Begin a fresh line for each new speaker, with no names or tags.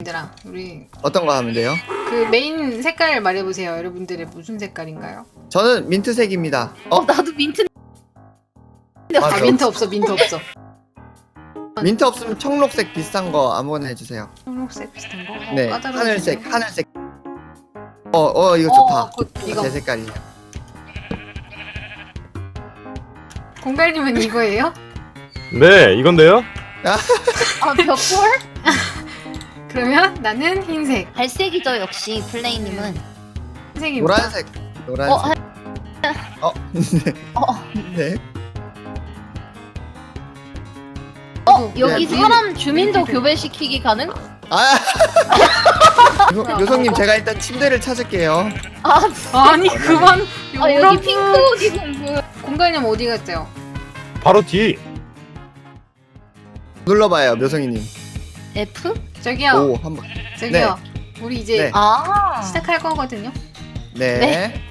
얘들아, 우리
어떤 거 하면 돼요?
그 메인 색깔 말해보세요. 여러분들의 무슨 색깔인가요?
저는 민트색입니다.
나도 민트.
맞아.
아 민트 없어, 민트 없어.
민트 없으면 청록색 비슷한 거 아무거나 해주세요.
초록색 비슷한 거?
네,
까다로워지네.
하늘색. 이거 좋다.
이거
제 색깔이에요.
공갈님은 이거예요?
네, 이건데요?
벽돌?
그러면 나는 흰색.
갈색이죠 역시 플레이님은.
흰색입니다.
노란색. 네.
여기
네,
사람 주민도
민트.
교배시키기 가능?
요성님 제가 일단 침대를 찾을게요.
아니 그만.
여기 핑크 옷 입은 분.
공갈님 어디 갔어요?
바로 뒤.
눌러봐요, 묘성이님.
F?
저기요.
한번.
저기요. 우리 이제
네.
아.
시작할 거거든요.
네.